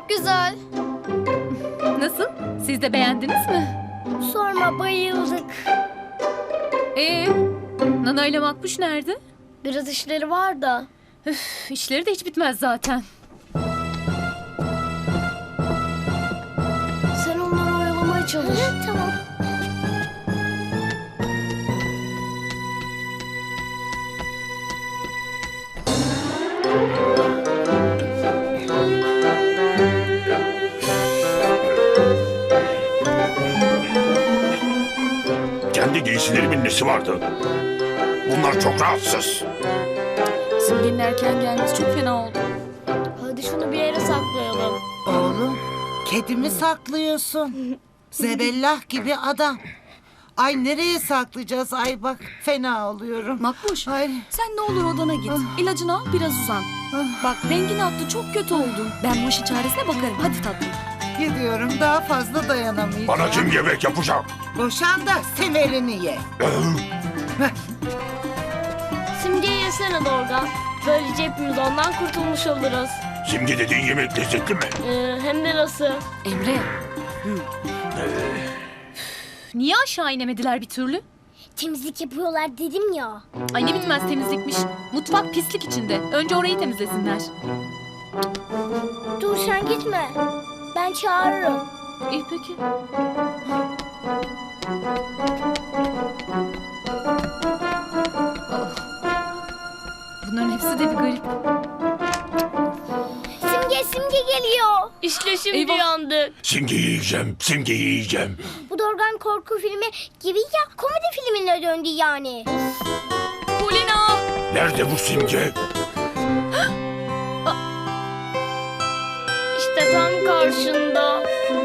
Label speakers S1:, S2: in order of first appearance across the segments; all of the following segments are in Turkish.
S1: çok güzel.
S2: Nasıl? Siz de beğendiniz mi?
S1: Sorma, bayıldık.
S2: Nana ile Makbuş nerede?
S1: Biraz işleri var da.
S2: Üf, işleri de hiç bitmez zaten.
S1: Sen onları oyalamaya çalış. Tamam.
S3: Kendi giysilerimin nesi vardı? Bunlar çok rahatsız.
S2: Simge'nin erken gelmesi çok fena oldu.
S1: Hadi şunu bir yere saklayalım.
S4: Oğlum, kedimi saklıyorsun. Zebellah gibi adam. Ay nereye saklayacağız? Ay bak fena oluyorum.
S5: Makbuş,
S4: Ay.
S5: sen ne olur odana git. İlacını al, biraz uzan. Bak rengin attı, çok kötü oldun. Ben bu işin çaresine bakarım. Hadi tatlım.
S4: Gidiyorum, daha fazla dayanamayacağım.
S3: Bana kim yemek yapacak?
S4: Boşan da semerini ye.
S1: Simge'yi yesene Dorgan. Böylece hepimiz ondan kurtulmuş oluruz.
S3: Simge dediğin yemek lezzetli mi?
S1: Hem de nasıl?
S5: Emre,
S2: Niye aşağı inemediler bir türlü?
S1: Temizlik yapıyorlar dedim ya.
S2: Ay ne bitmez temizlikmiş. Mutfak pislik içinde. Önce orayı temizlesinler.
S1: Dur sen gitme. Ben çağırırım.
S2: İyi peki. Oh. Bunların hepsi de bir garip.
S1: Simge geliyor. İşte şimdi
S2: Eyvah.
S1: yandık.
S3: Simgeyi yiyeceğim, Simgeyi yiyeceğim.
S1: Bu Dorgan korku filmi gibi ya, komedi filmine döndü yani.
S2: Polina!
S3: Nerede bu Simge?
S1: İşte tam karşında.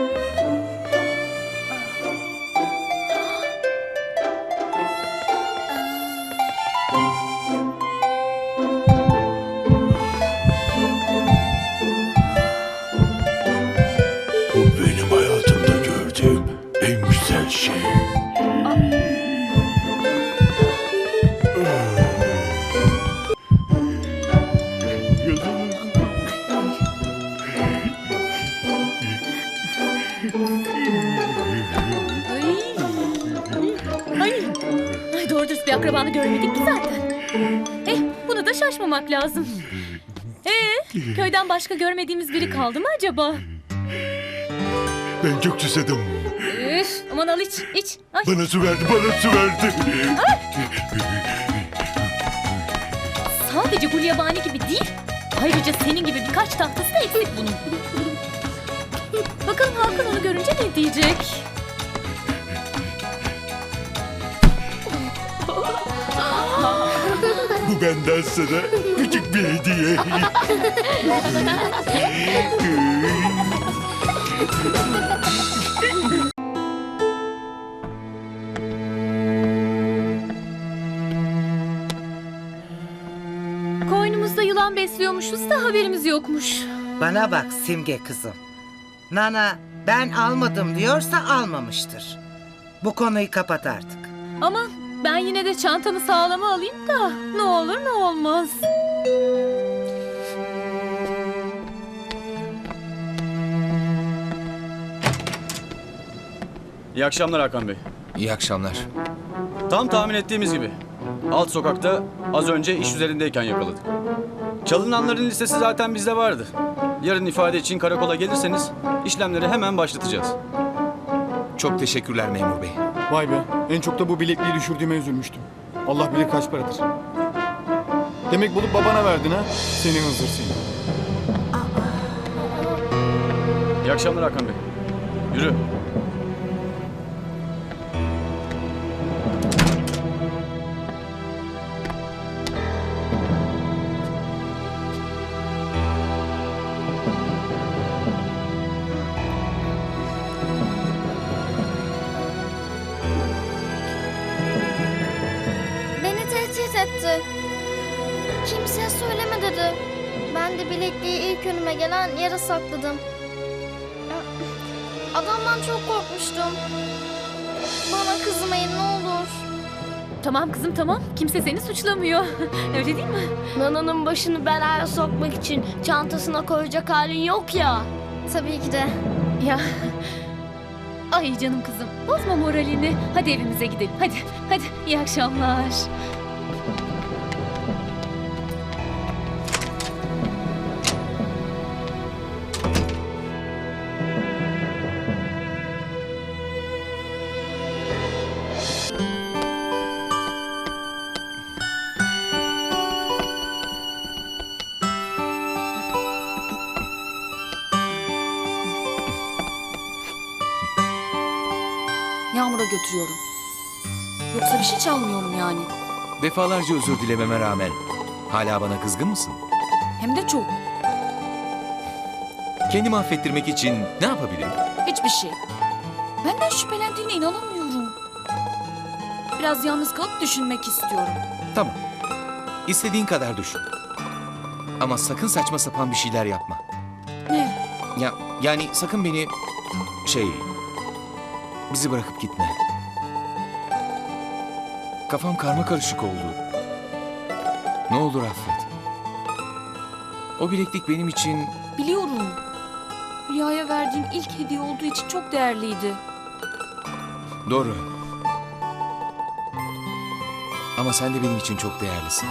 S3: Bu benim hayatımda gördüğüm en güzel şey.
S2: Ay doğru dürüst bir akrabanı görmedik ki zaten. Bunu da şaşmamak lazım. Köyden başka görmediğimiz biri kaldı mı acaba?
S3: Ben çok susadım.
S2: Üf, aman al iç. Ay.
S3: Bana su verdi, bana su verdi.
S2: Sadece gulyabani gibi değil, ayrıca senin gibi birkaç tahtası da eksik bunun. Bakalım Hakan onu görünce ne diyecek?
S3: Bu benden sana küçük bir hediye.
S2: Koynumuzda yılan besliyormuşuz da haberimiz yokmuş.
S4: Bana bak Simge kızım. Nana ben almadım diyorsa almamıştır. Bu konuyu kapat artık.
S2: Ama ben yine de çantamı sağlama alayım da ne olur ne olmaz.
S6: İyi akşamlar Hakan Bey.
S7: İyi akşamlar.
S6: Tam tahmin ettiğimiz gibi. Alt sokakta az önce iş üzerindeyken yakaladık. Çalınanların listesi zaten bizde vardı. Yarın ifade için karakola gelirseniz işlemleri hemen başlatacağız.
S7: Çok teşekkürler memur bey.
S8: Vay be, en çok da bu bilekliği düşürdüğüme üzülmüştüm. Allah bilir kaç paradır. Demek bulup babana verdin ha? Seni hızır seni.
S6: İyi akşamlar Hakan Bey. Yürü.
S1: Beni tehdit etti. Kimseye söyleme dedi. Ben de bilekliği ilk önüme gelen yere sakladım. Adamdan çok korkmuştum. Bana kızmayın ne olur.
S2: Tamam kızım tamam. Kimse seni suçlamıyor. Öyle değil mi?
S1: Nana'nın başını belaya sokmak için çantasına koyacak halin yok ya. tabii ki de.
S2: Ya. Ay canım kızım. Bozma moralini. Hadi evimize gidelim. Hadi. Hadi. İyi akşamlar.
S5: Yağmur'a götürüyorum. Yoksa bir şey çalmıyorum yani.
S7: Defalarca özür dilememe rağmen hala bana kızgın mısın?
S5: Hem de çok.
S7: Kendimi affettirmek için ne yapabilirim?
S5: Hiçbir şey. Benden şüphelendiğine inanamıyorum. Biraz yalnız kalıp düşünmek istiyorum.
S7: Tamam. İstediğin kadar düşün. Ama sakın saçma sapan bir şeyler yapma.
S5: Ne?
S7: Yani sakın beni... Bizi bırakıp gitme. Kafam karma karışık oldu. Ne olur affet. O bileklik benim için...
S5: Biliyorum. Hülya'ya verdiğim ilk hediye olduğu için çok değerliydi.
S7: Doğru. Ama sen de benim için çok değerlisin.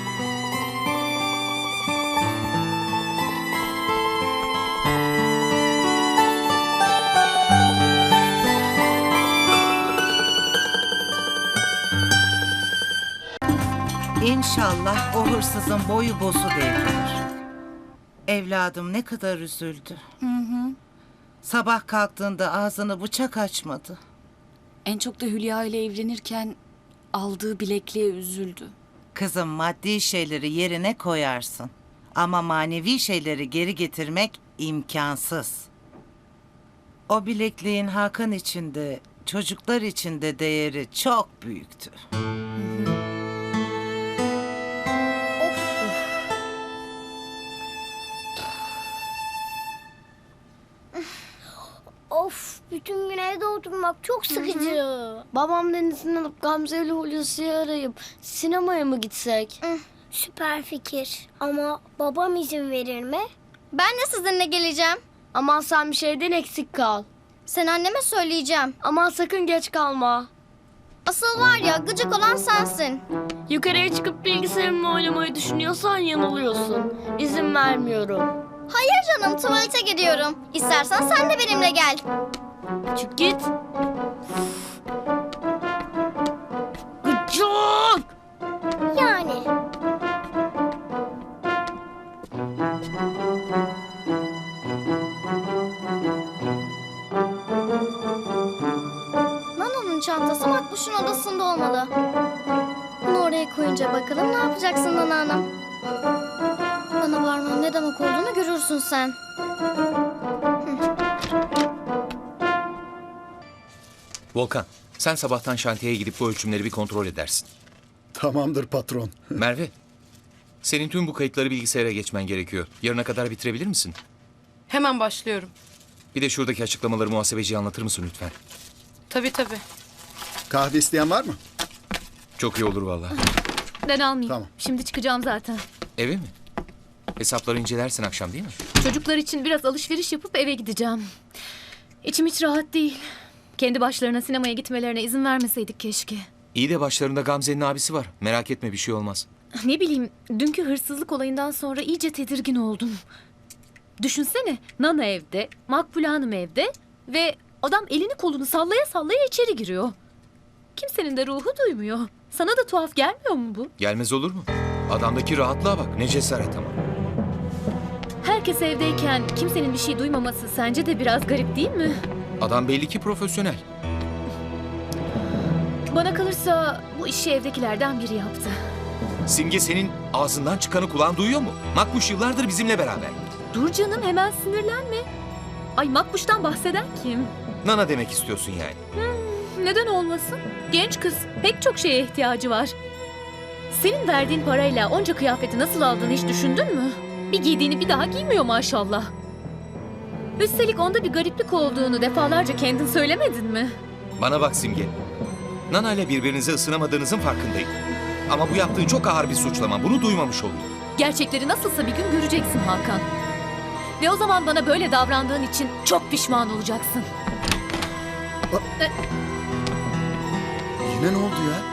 S4: İnşallah o hırsızın boyu bosu devrilir. Evladım ne kadar üzüldü. Sabah kalktığında ağzını bıçak açmadı.
S5: En çok da Hülya ile evlenirken aldığı bilekliğe üzüldü.
S4: Kızım maddi şeyleri yerine koyarsın. Ama manevi şeyleri geri getirmek imkansız. O bilekliğin Hakan için de çocuklar için de değeri çok büyüktü.
S1: Of, bütün gün evde oturmak çok sıkıcı. Babamdan izin alıp Gamze ile Hulusi'yi arayıp sinemaya mı gitsek? Süper fikir. Ama babam izin verir mi? Ben de sizinle geleceğim. Aman sen bir şeyden eksik kal. Sen anneme söyleyeceğim. Aman sakın geç kalma. Asıl var ya gıcık olan sensin. Yukarıya çıkıp bilgisayarımla oynamayı düşünüyorsan yanılıyorsun. İzin vermiyorum. Hayır canım, tuvalete gidiyorum. İstersen sen de benimle gel. Çık git. Gıcık! Yani. Nana'nın çantası Makbuş'un odasında olmalı. Bunu oraya koyunca bakalım ne yapacaksın Nana Hanım? Bana bağırmanın ne demek olduğunu görürsün sen.
S7: Volkan, sen sabahtan şantiyeye gidip bu ölçümleri bir kontrol edersin.
S9: Tamamdır patron.
S7: Merve, senin tüm bu kayıtları bilgisayara geçmen gerekiyor. Yarına kadar bitirebilir misin?
S10: Hemen başlıyorum.
S7: Bir de şuradaki açıklamaları muhasebeciye anlatır mısın lütfen?
S10: Tabii.
S9: Kahve isteyen var mı?
S7: Çok iyi olur vallahi.
S2: Ben almayayım.
S9: Tamam.
S2: Şimdi çıkacağım zaten.
S7: Eve mi? Hesapları incelersin akşam değil mi?
S2: Çocuklar için biraz alışveriş yapıp eve gideceğim. İçim hiç rahat değil. Kendi başlarına sinemaya gitmelerine izin vermeseydik keşke.
S7: İyi de başlarında Gamze'nin abisi var. Merak etme bir şey olmaz.
S2: Ne bileyim, dünkü hırsızlık olayından sonra iyice tedirgin oldum. Düşünsene, Nana evde, Makbule Hanım evde ve adam elini kolunu sallaya sallaya içeri giriyor. Kimsenin de ruhu duymuyor. Sana da tuhaf gelmiyor mu bu?
S7: Gelmez olur mu? Adamdaki rahatlığa bak. Ne cesaret ama.
S2: Herkes evdeyken kimsenin bir şey duymaması sence de biraz garip değil mi?
S7: Adam belli ki profesyonel.
S2: Bana kalırsa bu işi evdekilerden biri yaptı.
S7: Simge senin ağzından çıkanı kulağın duyuyor mu? Makbuş yıllardır bizimle beraber.
S2: Dur canım, hemen sinirlenme. Ay, Makbuş'tan bahseden kim?
S7: Nana demek istiyorsun yani.
S2: Neden olmasın? Genç kız, pek çok şeye ihtiyacı var. Senin verdiğin parayla onca kıyafeti nasıl aldığını hiç düşündün mü? Bir giydiğini bir daha giymiyor maşallah. Üstelik onda bir gariplik olduğunu defalarca kendin söylemedin mi?
S7: Bana bak Simge. Nana ile birbirinize ısınamadığınızın farkındayım. Ama bu yaptığın çok ağır bir suçlama. Bunu duymamış oldum.
S2: Gerçekleri nasılsa bir gün göreceksin Hakan. Ve o zaman bana böyle davrandığın için çok pişman olacaksın.
S9: Yine ne oldu ya?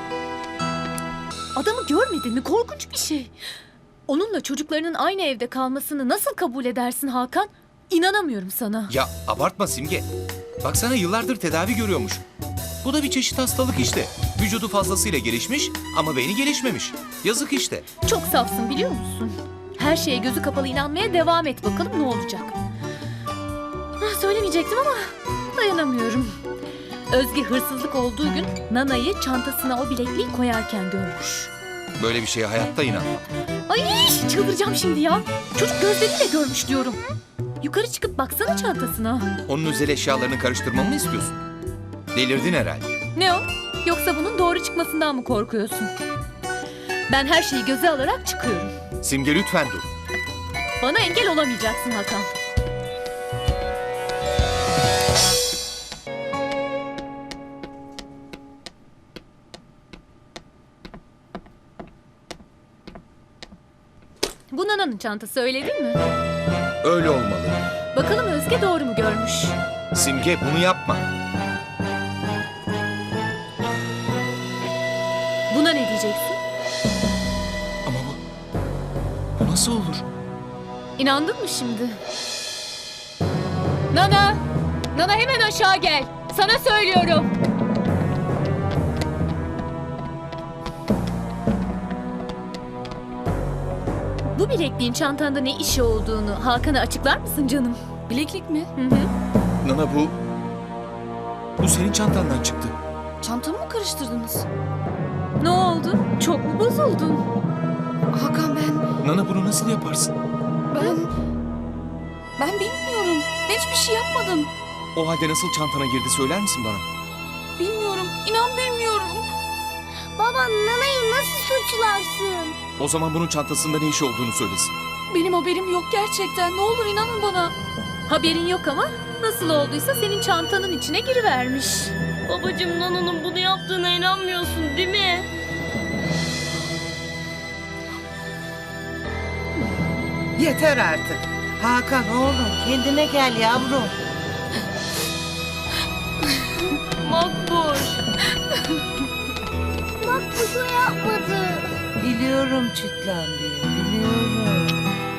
S2: Adamı görmedin mi? Korkunç bir şey. Onunla çocuklarının aynı evde kalmasını nasıl kabul edersin Hakan? İnanamıyorum sana.
S7: Ya abartma Simge. Baksana yıllardır tedavi görüyormuş. Bu da bir çeşit hastalık işte. Vücudu fazlasıyla gelişmiş ama beyni gelişmemiş. Yazık işte.
S2: Çok safsın biliyor musun? Her şeye gözü kapalı inanmaya devam et bakalım ne olacak. Söylemeyecektim ama dayanamıyorum. Özge hırsızlık olduğu gün Nana'yı çantasına o bilekliği koyarken görmüş.
S7: Böyle bir şeye hayatta inanmam.
S2: Ay çıldıracağım şimdi ya. Çocuk gözleriyle görmüş diyorum. Yukarı çıkıp baksana çantasına.
S7: Onun özel eşyalarını karıştırmamı mı istiyorsun? Delirdin herhalde.
S2: Ne o? Yoksa bunun doğru çıkmasından mı korkuyorsun? Ben her şeyi göze alarak çıkıyorum.
S7: Simge lütfen dur.
S2: Bana engel olamayacaksın Hakan. Bu Nana'nın çantası öyle değil mi?
S7: Öyle olmalı.
S2: Bakalım Özge doğru mu görmüş?
S7: Simge bunu yapma.
S2: Buna ne diyeceksin?
S7: Ama bu nasıl olur?
S2: İnandın mı şimdi? Nana! Nana hemen aşağı gel. Sana söylüyorum. Bu bilekliğin çantanda ne işi olduğunu Hakan'a açıklar mısın canım?
S5: Bileklik mi?
S2: Hı hı.
S7: Nana bu senin çantandan çıktı.
S5: Çantamı mı karıştırdınız?
S2: Ne oldu? Çok mu bozuldun?
S5: Hakan ben
S7: Nana bunu nasıl yaparsın?
S5: ben bilmiyorum. Ben hiçbir şey yapmadım.
S7: O halde nasıl çantana girdi söyler misin bana?
S5: Bilmiyorum. İnan bilmiyorum.
S1: Baba Nana'yı nasıl suçlarsın?
S7: O zaman bunun çantasında ne işi olduğunu söylesin.
S5: Benim haberim yok gerçekten. Ne olur inanın bana.
S2: Haberin yok ama nasıl olduysa senin çantanın içine girivermiş. Babacığım Nana'nın bunu yaptığına inanmıyorsun değil mi?
S4: Yeter artık. Hakan oğlum kendine gel yavrum.
S2: Makbuş.
S1: Bak bu yapmadı.
S4: Biliyorum çitlendiği, biliyorum.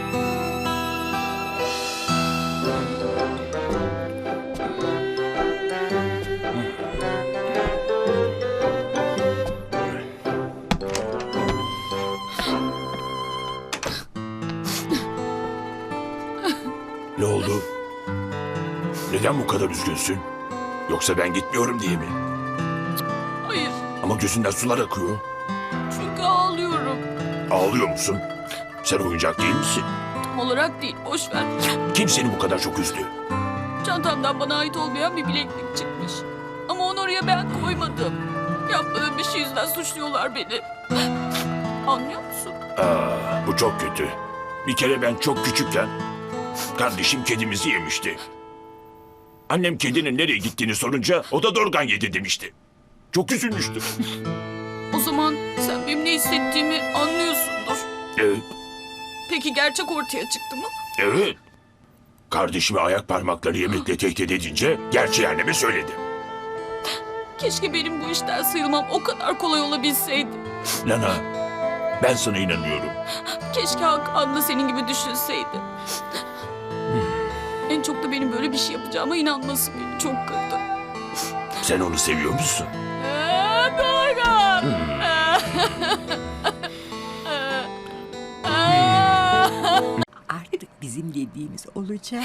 S3: Ne oldu? Neden bu kadar üzgünsün? Yoksa ben gitmiyorum diye mi?
S5: Hayır.
S3: Ama gözünden sular akıyor.
S5: Çünkü ağlıyorum.
S3: Ağlıyor musun? Sen oyuncak değil misin?
S5: Tam olarak değil. Boş ver.
S3: Kim seni bu kadar çok üzdü?
S5: Çantamdan bana ait olmayan bir bileklik çıkmış. Ama onu oraya ben koymadım. Yapmadığım bir şey yüzünden suçluyorlar beni. Anlıyor musun?
S3: Bu çok kötü. Bir kere ben çok küçükken kardeşim kedimizi yemişti. Annem kedinin nereye gittiğini sorunca o da dorgan yedi demişti. Çok üzülmüştüm.
S5: O zaman sen benim ne hissettiğimi anlıyorsundur.
S3: Evet,
S5: Peki gerçek ortaya çıktı mı?
S3: evet. Kardeşimi ayak parmakları yemekle tehdit edince gerçeği anneme söyledi.
S5: Keşke benim bu işten sıyrılmam o kadar kolay olabilseydi.
S3: Nana, ben sana inanıyorum.
S5: Keşke Hakan da senin gibi düşünseydi. En çok da benim böyle bir şey yapacağıma inanması beni çok kırdı.
S3: Sen onu seviyor musun?
S5: Doğru.
S11: Artık bizim dediğimiz olacak.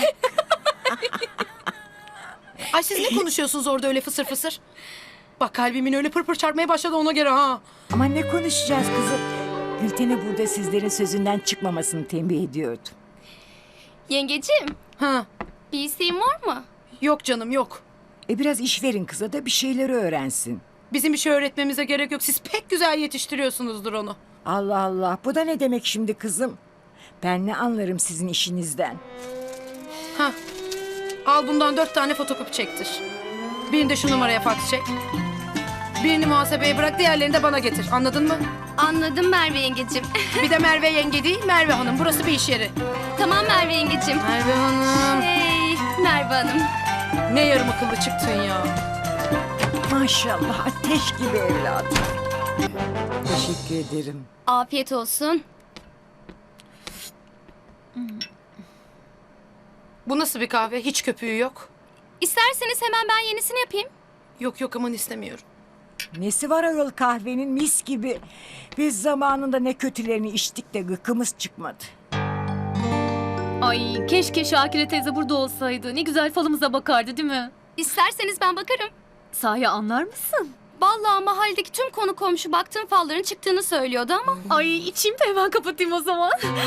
S10: Ay siz ne konuşuyorsunuz orada öyle fısır fısır? Bak kalbimin öyle pırpır çarpmaya başladı ona göre ha.
S11: Ama ne konuşacağız kızım? Gülten'e burada sizlerin sözünden çıkmamasını tembih ediyordum.
S1: Yengeciğim
S10: Ha.
S1: bir isteğin var mı?
S10: Yok canım yok.
S11: Biraz iş verin kıza da bir şeyleri öğrensin.
S10: Bizim bir şey öğretmemize gerek yok. Siz pek güzel yetiştiriyorsunuzdur onu.
S11: Allah Allah, bu da ne demek şimdi kızım? Ben ne anlarım sizin işinizden?
S10: Ha. Al bundan 4 tane fotokopi çektir. Birini de şu numaraya fax çek. Birini muhasebeye bırak, diğerlerini de bana getir. Anladın mı?
S5: Anladım Merve yengecim.
S10: Bir de Merve yenge değil, Merve Hanım. Burası bir iş yeri.
S5: Tamam Merve yengecim.
S10: Merve Hanım.
S5: Hey Merve Hanım.
S10: Ne yarım akıllı çıktın ya.
S11: Maşallah ateş gibi evladım. Teşekkür ederim.
S5: Afiyet olsun.
S10: Bu nasıl bir kahve? Hiç köpüğü yok.
S5: İsterseniz hemen ben yenisini yapayım.
S10: Yok yok, aman istemiyorum.
S11: Nesi var ayol kahvenin mis gibi. Biz zamanında ne kötülerini içtik de gıkımız çıkmadı.
S2: Ay keşke Şakire teyze burada olsaydı. Ne güzel falımıza bakardı değil mi?
S5: İsterseniz ben bakarım.
S2: Sahi anlar mısın?
S5: Vallahi mahalledeki tüm konu komşu baktığım falların çıktığını söylüyordu ama.
S2: Ay içeyim de hemen kapatayım o zaman.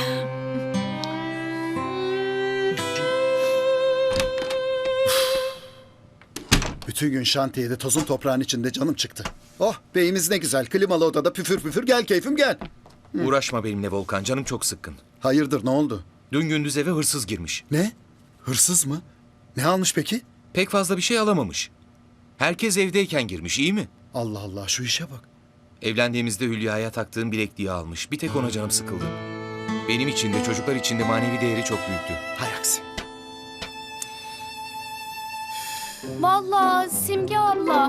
S9: Bütün gün şantiyede tozun toprağın içinde canım çıktı. Oh beyimiz ne güzel klimalı odada püfür püfür gel keyfim gel.
S7: Uğraşma benimle Volkan, canım çok sıkkın.
S9: Hayırdır ne oldu?
S7: Dün gündüz eve hırsız girmiş.
S9: Ne? Hırsız mı? Ne almış peki?
S7: Pek fazla bir şey alamamış. Herkes evdeyken girmiş, iyi mi?
S9: Allah Allah şu işe bak.
S7: Evlendiğimizde Hülya'ya taktığım bilekliği almış. Bir tek ona canım sıkıldı. Benim için de çocuklar için de manevi değeri çok büyüktü.
S9: Hay aksi.
S5: Vallahi Simge abla.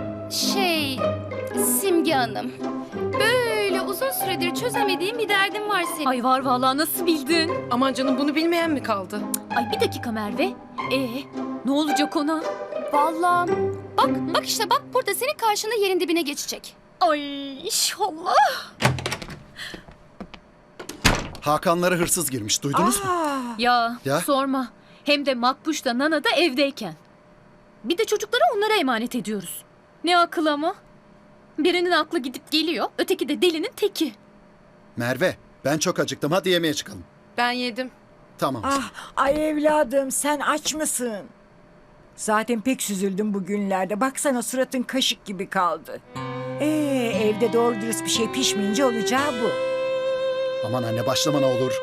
S5: Simge Hanım. Böyle uzun süredir çözemediğim bir derdim var senin.
S2: Ay var vallahi nasıl bildin?
S10: Aman canım, bunu bilmeyen mi kaldı?
S2: Ay bir dakika Merve. Ne olacak ona?
S5: Vallahi. Bak işte bak burada senin karşında yerin dibine geçecek.
S2: Ay inşallah.
S9: Hakanlara hırsız girmiş duydunuz mu?
S2: Ya,
S9: Ya?
S2: sorma. Hem de Makbuş da Nana da evdeyken. Bir de çocukları onlara emanet ediyoruz. Ne akıl ama. Birinin aklı gidip geliyor, öteki de delinin teki.
S9: Merve ben çok acıktım hadi yemeğe çıkalım.
S10: Ben yedim.
S9: Tamam.
S11: Ay evladım sen aç mısın? Zaten pek süzüldüm bugünlerde. Baksana suratın kaşık gibi kaldı. Evde doğru dürüst bir şey pişmeyince olacağı bu.
S9: Aman anne başlama ne olur.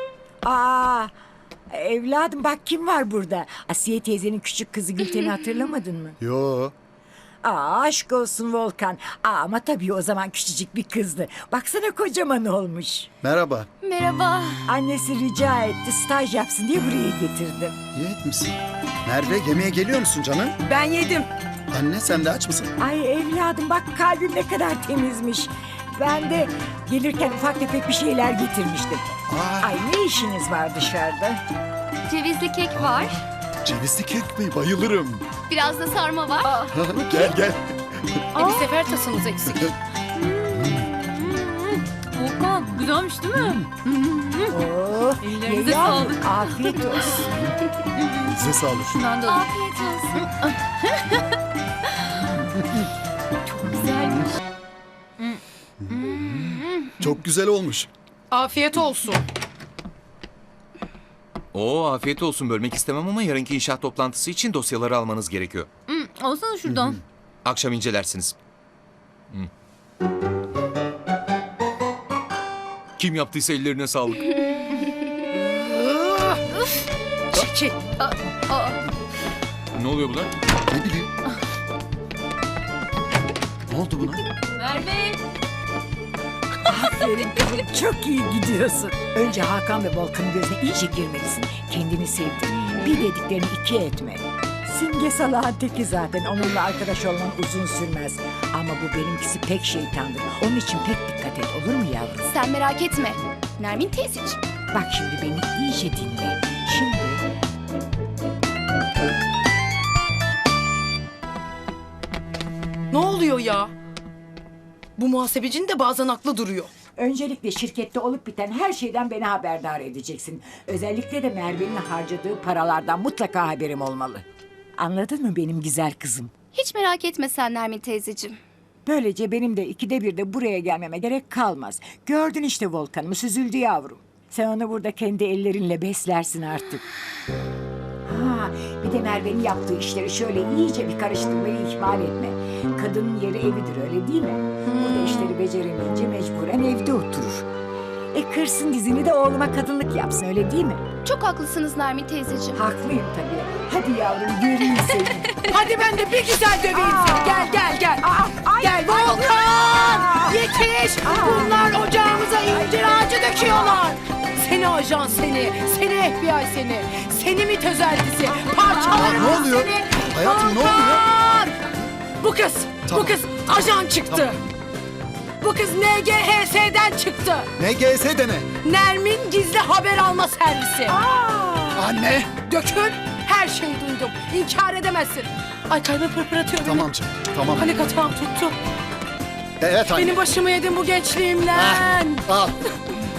S11: Evladım bak kim var burada? Asiye teyzenin küçük kızı Gülten'i hatırlamadın mı?
S9: Yo.
S11: Aşk olsun Volkan. Ama tabii o zaman küçücük bir kızdı. Baksana kocaman olmuş.
S9: Merhaba.
S5: Merhaba.
S11: Annesi rica etti staj yapsın diye buraya getirdim.
S9: İyi etmişsin. Merve yemeğe geliyor musun canım?
S10: Ben yedim.
S9: Anne sen de aç mısın?
S11: Ay evladım bak kalbim ne kadar temizmiş. Ben de gelirken ufak tefek bir şeyler getirmiştim. Ay ne işiniz var dışarıda?
S5: Cevizli kek var.
S9: Cevizli kek mi? Bayılırım.
S5: Biraz da sarma var.
S9: Gel gel.
S10: Bir sefer tasınız eksik.
S2: Volkan, güzelmiş değil mi? Ellerinize
S11: ye yavrum,
S2: sağlık.
S11: afiyet olsun.
S9: Size sağlık.
S2: Şundan da alayım.
S5: Afiyet olsun.
S2: Güzelmiş.
S9: Çok güzel olmuş.
S10: Afiyet olsun.
S7: Afiyet olsun, bölmek istemem ama yarınki inşaat toplantısı için dosyaları almanız gerekiyor.
S2: Alsana şuradan.
S7: Akşam incelersiniz. Kim yaptıysa ellerine sağlık.
S10: Çekil.
S7: Ne oluyor buna?
S9: Ne bileyim. Ne oldu buna?
S2: Merve.
S11: Aferin kızım çok iyi gidiyorsun. Önce Hakan ve Volkan'ın gözüne iyice girmelisin. Kendini sevdir. Bir dediklerini iki etme. Simge salağın teki zaten. Onunla arkadaş olman uzun sürmez. Ama bu benimkisi pek şeytandır. Onun için pek dikkat et olur mu yavrum?
S5: Sen merak etme. Nermin teyzeciğim.
S11: Bak şimdi beni iyice dinle. Şimdi
S10: Ne oluyor ya? Bu muhasebecinin de bazen aklı duruyor.
S11: öncelikle şirkette olup biten her şeyden beni haberdar edeceksin. Özellikle de Merve'nin harcadığı paralardan mutlaka haberim olmalı. Anladın mı benim güzel kızım?
S5: Hiç merak etme sen Nermin teyzeciğim.
S11: Böylece benim de ikide bir de buraya gelmeme gerek kalmaz. Gördün işte Volkan'ımı süzüldü yavrum. Sen onu burada kendi ellerinle beslersin artık. Bir de Merve'nin yaptığı işleri şöyle iyice bir karıştırmayı ihmal etme. Kadının yeri evidir öyle değil mi? Burada işleri beceremeyince mecburen evde oturur. Kırsın dizini de oğluma kadınlık yapsın öyle değil mi?
S5: Çok haklısınız Nermin teyzeciğim.
S11: Haklıyım tabii. Hadi yavrum göreyim seni.
S10: Hadi ben de bir güzel döveyim seni. Gel. Gel Volkan. Yetiş. Bunlar ocağımıza incir ağacı döküyorlar. Seni ajan seni. Seni FBI seni. Seni MİT özeltisi. Parçalarım
S9: Ne oluyor?
S10: seni.
S9: Hayatım, ne oluyor?
S10: Volkan! Bu kız.
S9: Tamam.
S10: Bu kız ajan çıktı. Bu kız NGHS'den çıktı.
S9: NGS deme.
S10: Nermin Gizli Haber Alma Servisi.
S9: Anne.
S10: Dökün. Her şeyi duydum. İnkar edemezsin. Ay kalbim pırpır atıyor benim.
S9: Tamam canım. Tamam.
S10: Panik atağım tuttu.
S9: Evet anne.
S10: Benim başımı yedin bu gençliğimden.
S9: Al.